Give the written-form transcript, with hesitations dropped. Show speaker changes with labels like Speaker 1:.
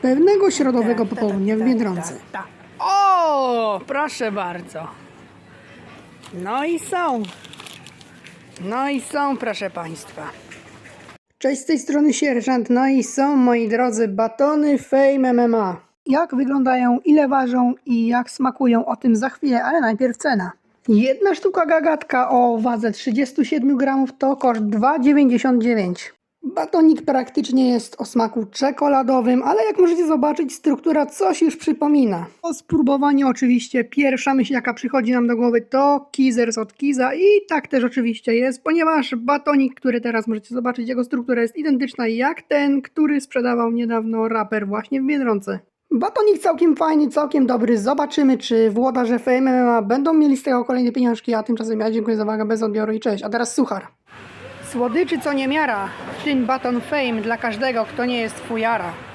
Speaker 1: pewnego środowego popołudnia w Biedronce.
Speaker 2: O, proszę bardzo. No i są. No i są, proszę Państwa.
Speaker 1: Cześć, z tej strony sierżant. No i są, moi drodzy, batony Fame MMA. Jak wyglądają, ile ważą i jak smakują, o tym za chwilę, ale najpierw cena. Jedna sztuka gagatka o wadze 37 gramów to koszt 2,99. Batonik praktycznie jest o smaku czekoladowym, ale jak możecie zobaczyć, struktura coś już przypomina. Po spróbowaniu oczywiście pierwsza myśl, jaka przychodzi nam do głowy, to Kizers od Kiza i tak też oczywiście jest, ponieważ batonik, który teraz możecie zobaczyć, jego struktura jest identyczna jak ten, który sprzedawał niedawno raper właśnie w Biedronce. Batonik całkiem fajny, całkiem dobry. Zobaczymy, czy włodarze Fame MMA będą mieli z tego kolejne pieniążki, a tymczasem ja dziękuję za uwagę, bez odbioru i cześć. A teraz suchar. Słodyczy co niemiara, w tym baton Fame dla każdego, kto nie jest fujara.